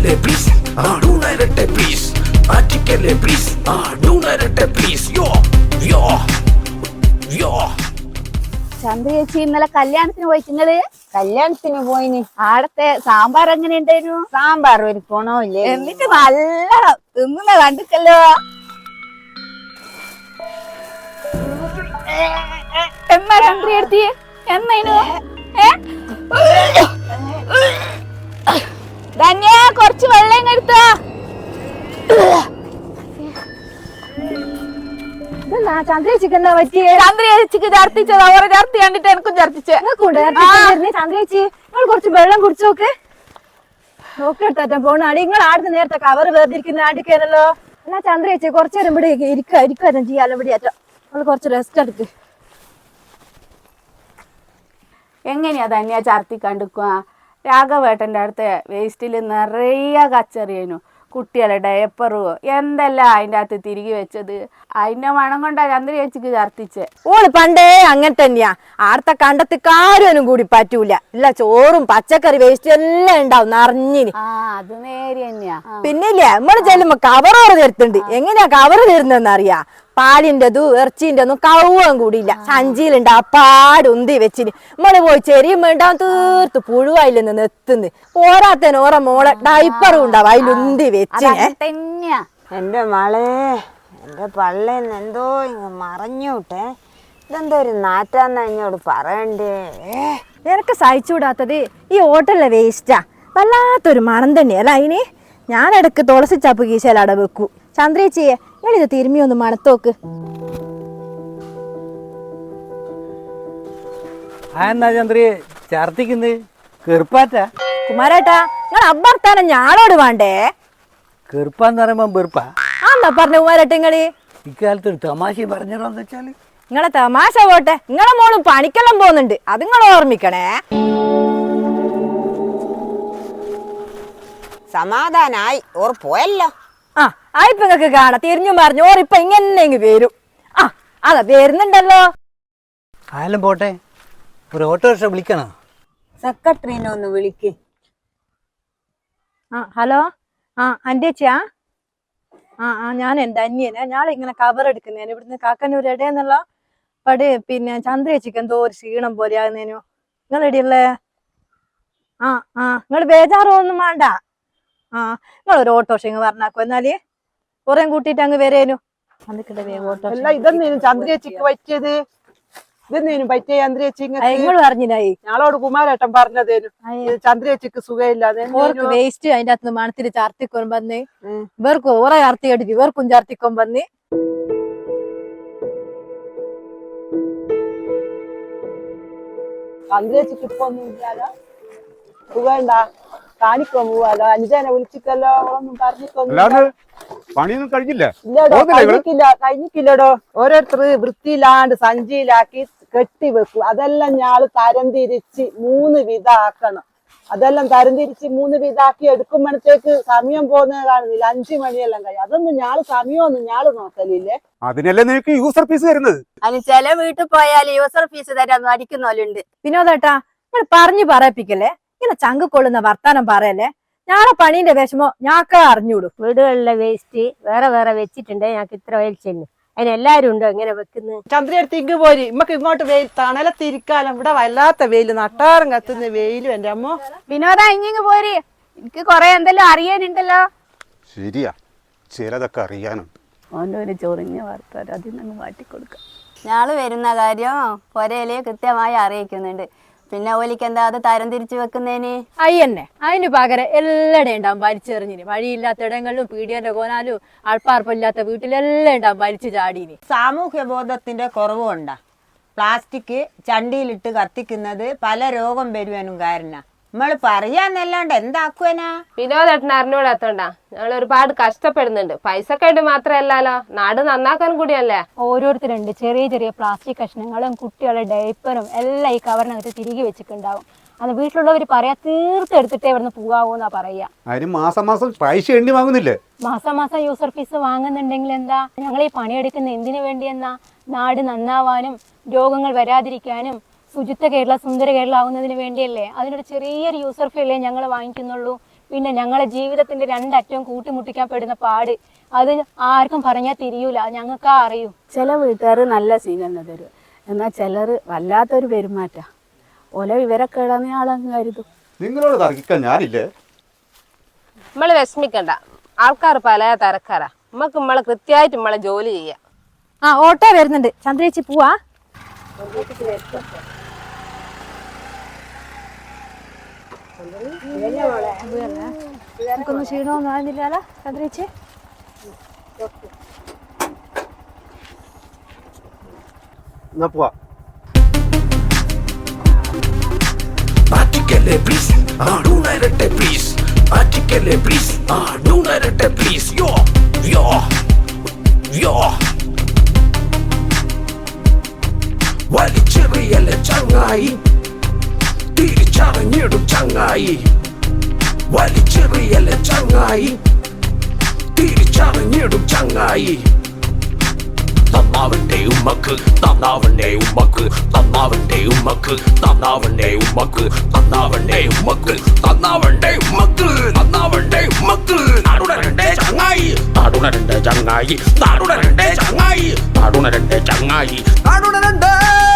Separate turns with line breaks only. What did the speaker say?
ആറ്റിക്കല്ലേ please ഡൂണരട്ടെ please ആറ്റിക്കല്ലേ please ഡൂണരട്ടെ പ്ലീസ് യോ യോ യോ.
ചന്ദ്ര ചേച്ചി ഇന്നലെ കല്യാണത്തിന് പോയി നിങ്ങള്?
കല്യാണത്തിന് പോയിന്.
ആടത്തെ സാമ്പാർ എങ്ങനെ ഉണ്ടായിരുന്നു?
സാമ്പാർ ഒരു ഗുണമില്ലേ,
എന്നിട്ട് നല്ല തിന്നുന്ന കണ്ടിട്ടല്ലോ. എന്നാ ചന്ദ്ര ചേച്ചി എന്നേനു ധന്യ കൊറച്ച് വെള്ളം എടുത്ത. ചന്ദ്ര ചേച്ചിക്ക് എന്താ പറ്റിയ? ചന്ദ്ര ചേച്ചിക്ക് ഛർദിച്ചത് അവരെ ഛർദി കണ്ടിട്ട് എനിക്കും ഛർദിച്ച്. ചന്ദ്ര ചേച്ചി നിങ്ങൾ കുറച്ച് വെള്ളം കുടിച്ചു നോക്ക്. നോക്കിയെടുത്താ പോണാടി നിങ്ങൾ ആടുന്ന നേരത്തെ കവർ വേർതിരിക്കുന്ന ആടിക്കാനല്ലോ. എന്നാ ചന്ദ്ര ചേച്ചി കുറച്ചു നേരം ഇവിടെ ഇരിക്കാനും ചെയ്യാലോ. ഇവിടെ ആറ്റോ നമ്മൾ കുറച്ച് റെസ്റ്റ് എടുക്ക്. എങ്ങനെയാ തന്നെയാ ഛർദി കണ്ടിക്കുക? രാഘവേട്ടൻ്റെ അടുത്ത് വേസ്റ്റിൽ നിറയെ കച്ചറിയനു, കുട്ടികളെ ഡയപ്പറും എന്തെല്ലാം അതിൻ്റെ അകത്ത് തിരികെ വെച്ചത്. അതിന്റെ മണം കൊണ്ടാ ചന്ദ്ര ചേച്ചിക്ക് ഛർദിച്ച്.
ഓള് പണ്ടേ അങ്ങനെ തന്നെയാ. ആർത്ത കണ്ടത്ത് കാരൊന്നും കൂടി പറ്റൂല. ഇല്ല ചോറും പച്ചക്കറി വേസ്റ്റ് എല്ലാം ഉണ്ടാവും നിറഞ്ഞിന്.
അത് നേരെ തന്നെയാ.
പിന്നില്ലേ നമ്മള് ചെല്ലുമ്പോ കവറോറ് തരുത്തുണ്ട്. എങ്ങനെയാ കവറ് തരുന്നതെന്ന് അറിയാ? പാലിൻ്റെതും ഇറച്ചിൻ്റെ ഒന്നും കവുവാൻ കൂടിയില്ല. സഞ്ചിയിലുണ്ട് അപ്പാട് ഉന്തി വെച്ചിന്. നമ്മള് പോയി ചെറിയും വേണ്ടാവും തീർത്ത് പുഴുവായില്ലെന്ന് നെത്തുന്ന്. പോരാത്തേന് ഓറ മോളെ ഡൈപ്പറും ഉണ്ടാവും അതിലുന്തി വെച്ചിനെ.
എന്റെ മളെ, എന്റെ പള്ളേന്ന് എന്തോ ഇങ്ങ് മറഞ്ഞൂട്ടെ. ഇതെന്തോ ഒരു നാറ്റാന്ന് എന്നോട് പറയണ്ടേ.
നിനക്ക് സഹിച്ചുകൂടാത്തത് ഈ ഹോട്ടലിലെ വേസ്റ്റാ. വല്ലാത്തൊരു മണം തന്നെയല്ല അതിന്. ഞാൻ ഇടക്ക് തുളസി ചപ്പ് കീശയിലട വെക്കൂ. ചന്ദ്രേച്ചിയെ ഞാനിത് തിരുമ്മി ഒന്ന് മണത്തോക്ക്.
എന്നാ ചന്ദ്രയെ ഛർദിക്കുന്നത്? കെറുപ്പാറ്റ
കുമാരേട്ടാ, നിങ്ങൾ അഭ്യർത്ഥന ഞാളോട് വേണ്ടേ?
കെറുപ്പാന്ന് പറയുമ്പോ വെറുപ്പാ
ആന്നാ പറഞ്ഞ കുമാരേട്ട നിങ്ങള്?
ഇക്കാലത്ത് ഒരു തമാശ പറഞ്ഞോന്ന് വെച്ചാല്
നിങ്ങളെ തമാശ പോട്ടെ, നിങ്ങളെ മോളും പണിക്കെല്ലാം പോകുന്നുണ്ട്, അത് നിങ്ങൾ ഓർമ്മിക്കണേ.
സമാധാനായി ഓർ പോയല്ലോ.
ആ ആയിപ്പോ നിങ്ങക്ക് കാണാം. തിരിഞ്ഞും പറഞ്ഞു ഓറിപ്പൊ ഇങ്ങനെ വരും. ആ അതാ വരുന്നുണ്ടല്ലോ.
ആയാലും പോട്ടെ, ഒരു ഓട്ടോറിക്ഷ വിളിക്കണോ?
സെക്രട്ടറിനെ ഒന്ന് വിളിക്ക്.
ആ ഹലോ, ആ അന്റേച്ചിയാ? ഞാൻ എൻ്റെ അന്യനെ ഞാളിങ്ങനെ കവർ എടുക്കുന്നേന് ഇവിടുന്ന് കാക്കന്നൂർ ഇടയെന്നുള്ള പടി. പിന്നെ ചന്ദ്രേച്ചിക്ക് എന്തോ ഒരു ക്ഷീണം പോലെ ആകുന്നേനു. നിങ്ങൾ എടിയല്ലേ? നിങ്ങൾ ബേജാറൊന്നും വേണ്ട. നിങ്ങളൊരു ഓട്ടോറിക്ഷ ഇങ്ങ് പറഞ്ഞാക്കോ. എന്നാല് കുറേ കൂട്ടിയിട്ട് അങ്ങ് വരേനു.
ഇതെന്തേനും ചന്ദ്രേച്ചിക്ക് പറ്റിയത്? ഇതെന്തേനും പറ്റിയ ചന്ദ്രേച്ചി?
നിങ്ങൾ പറഞ്ഞില്ലായി
ഞങ്ങളോട് കുമാരേട്ടൻ പറഞ്ഞതേനു ചന്ദ്രേച്ചിക്ക് സുഖമില്ലാതെ.
വേസ്റ്റ് അതിന്റെ അകത്ത് മണത്തിൽ ചാർത്തിക്കൊൻ വന്ന് ഇവർക്കും ഓറെ ചാർത്തി കെട്ടിട്ട് ഇവർക്കും ചാർത്തിക്കൊൻ വന്ന്.
ചന്ദ്രേച്ചിക്ക് ഇപ്പൊ ഒന്നും ഇല്ലാലോ, സുഖണ്ടാ? കാണിക്കോ പോവാലോ? അഞ്ചനെ വിളിച്ചിട്ടല്ലോ, അവളൊന്നും പറഞ്ഞിട്ടൊന്നും
പണിയൊന്നും കഴിഞ്ഞില്ല.
ഇല്ലടോ, കഴിഞ്ഞിട്ടില്ലടോ. ഓരോരുത്തർ വൃത്തിയിലാണ്ട് സഞ്ചിയിലാക്കി കെട്ടി വെക്കും. അതെല്ലാം ഞാള് തരംതിരിച്ച് 3 വിധാക്കണം. അതെല്ലാം തരംതിരിച്ച് 3 വിധാക്കി എടുക്കുമ്പോഴത്തേക്ക് സമയം പോകുന്നത് കാണുന്നില്ല. 5 മണിയെല്ലാം കഴിയും. അതൊന്നും ഞാള് സമയമൊന്നും ഞാള് നോക്കലില്ലേ.
അതിനല്ലേ നിനക്ക് യൂസർ ഫീസ് തരുന്നത്.
അതിന് ചില വീട്ടിൽ പോയാൽ യൂസർ ഫീസ് തരാൻ അടിക്കുന്നവരുണ്ട്. വിനോദേട്ടാ, നിങ്ങൾ പറഞ്ഞു പറയിപ്പിക്കല്ലേ, ഇങ്ങനെ ചങ്ക് കൊള്ളുന്ന വർത്താനം പറയല്ലേ. ഞാളെ പണീന്റെ വിഷമോ ഞാക്ക അറിഞ്ഞൂടും.
വീടുകളിലെ വേസ്റ്റ് വേറെ വേറെ വെച്ചിട്ടുണ്ട്. ഞങ്ങൾക്ക് ഇത്ര വലിച്ചെന്നു അതിനെല്ലാരും ഉണ്ടോ ഇങ്ങനെ വെക്കുന്നത്?
ചന്ദ്രടുത്ത് ഇങ്ങ് പോരി, ഇമ്മക്ക് ഇങ്ങോട്ട് വെയിൽ തണലത്തിരിക്കാലം. ഇവിടെ വല്ലാത്ത വെയില്, നട്ടാറും കത്തുന്ന വെയിലും. എന്റെ അമ്മ
വിനോദ ഇങ്ങിങ് പോരി, എനിക്ക് കൊറേ എന്തെല്ലാം അറിയാനുണ്ടല്ലോ.
ശരിയാ, ചിലതൊക്കെ അറിയാനുണ്ട്.
ഓൻ്റെ ഒരു ചൊറിഞ്ഞ വർത്താനം അതിൽ നിന്ന് മാറ്റിക്കൊടുക്കാം.
ഞാള് വരുന്ന കാര്യം പൊരയില് കൃത്യമായി അറിയിക്കുന്നുണ്ട്. പിന്നെ ഓലിക്ക് എന്താ അത് തരം തിരിച്ചു വെക്കുന്നേന്?
അയ്യന്നെ അതിന് പകരം എല്ലായിടെ ഉണ്ടാവും വലിച്ചെറിഞ്ഞിന്. വഴിയില്ലാത്ത ഇടങ്ങളിലും പീഡിയന്റെ കോനാലും ആൾപ്പാർപ്പില്ലാത്ത വീട്ടിലെല്ലാം ഉണ്ടാവും വലിച്ചു ചാടീന്.
സാമൂഹ്യ ബോധത്തിന്റെ കുറവുണ്ടാ. പ്ലാസ്റ്റിക് ചണ്ടിയിലിട്ട് കത്തിക്കുന്നത് പല രോഗം വരുവാനും കാരണ. നമ്മള് പറയാന്നല്ലാണ്ട് എന്താക്കുവനാ?
വിനോദേട്ടൻ അറിഞ്ഞൂടാത്തോണ്ടാ. ഞങ്ങൾ ഒരുപാട് കഷ്ടപ്പെടുന്നുണ്ട്. പൈസക്ക് വേണ്ടി മാത്രമല്ലല്ലോ, നാട് നന്നാക്കാൻ കൂടിയല്ലേ.
ഓരോരുത്തരുണ്ട് ചെറിയ ചെറിയ പ്ലാസ്റ്റിക് കഷ്ണങ്ങളും കുട്ടികളുടെ ഡയപ്പറും എല്ലാം ഈ കവറിനകത്ത് തിരികെ വെച്ചിട്ടുണ്ടാവും. അത് വീട്ടിലുള്ളവർ പറയാ തീർത്തെടുത്തിട്ടേ ഇവിടുന്ന് പോകാവൂന്നാ പറയാ.
അതിന് മാസം മാസം പൈസ എണ്ണി വാങ്ങുന്നില്ലേ?
മാസം മാസം യൂസർ ഫീസ് വാങ്ങുന്നുണ്ടെങ്കിൽ എന്താ? ഞങ്ങൾ ഈ പണിയെടുക്കുന്ന എന്തിനു വേണ്ടിയെന്നാ? നാട് നന്നാവാനും രോഗങ്ങൾ വരാതിരിക്കാനും ശുചിത്വ കേരള സുന്ദര കേരള ആവുന്നതിന് വേണ്ടിയല്ലേ. അതിനൊരു ചെറിയൊരു യൂസർ ഫീലേ ഞങ്ങൾ വാങ്ങിക്കുന്നുള്ളൂ. പിന്നെ ഞങ്ങളെ ജീവിതത്തിന്റെ രണ്ടറ്റവും കൂട്ടിമുട്ടിക്കാൻ പെടുന്ന പാട് അത് ആർക്കും പറഞ്ഞാൽ തിരിയൂല, ഞങ്ങൾക്കാ അറിയൂ.
ചില വീട്ടുകാർ നല്ല സ്വീകരണം തരും, എന്നാൽ ചിലർ വല്ലാത്തൊരു പെരുമാറ്റ ഓല വിവരൊക്കെ ഇടാന്ന് ആളങ്ങ് കരുതും.
നിങ്ങളോട് തർക്കിക്കാൻ ഞാനില്ലേ.
നമ്മള് വിഷമിക്കണ്ട, ആൾക്കാർ പല തരക്കാരാ. നമ്മക്ക് നമ്മളെ കൃത്യമായിട്ട് നമ്മളെ ജോലി ചെയ്യാം.
ആ ഓട്ടോ വരുന്നുണ്ട്, ചന്ദ്രേച്ചി പോവാ. നമുക്കൊന്നും ക്ഷീണമൊന്നും ആകുന്നില്ലല്ലോ ചന്ദ്രേച്ചി.
എന്നാ പോവാ.
ആറ്റിക്കല്ലേ പ്ലീസ്, ഡൂണരട്ടെ പ്ലീസ്. ആറ്റിക്കല്ലേ പ്ലീസ്, ഡൂണരട്ടെ പ്ലീസ്. യോ യോ യോ വലിച്ചെറിയല്ലേ ചങ്ങായി, തിരിച്ചറിഞ്ഞിടും ചങ്ങായി. വലിച്ചെറിയല്ലേ ചങ്ങായി, തിരിച്ചറിഞ്ഞിടും ചങ്ങായി. തന്നാവന്റെ ഉമ്മക്ക്, തന്നാവന്റെ ഉമ്മക്ക്, തന്നാവന്റെ ഉമ്മക്ക്, തന്നാവന്റെ ഉമ്മക്ക്, തന്നാവന്റെ ഉമ്മക്ക്, തന്നാവന്റെ ഉമ്മക്ക്, തന്നാവന്റെ ഉമ്മക്ക്. നാടുണരണ്ടേ ചങ്ങായി, നാടുണരണ്ടേ ചങ്ങായി, നാടുണരണ്ടേ ചങ്ങായി, നാടുണരണ്ടേ ചങ്ങായി, നാടുണരണ്ടേ.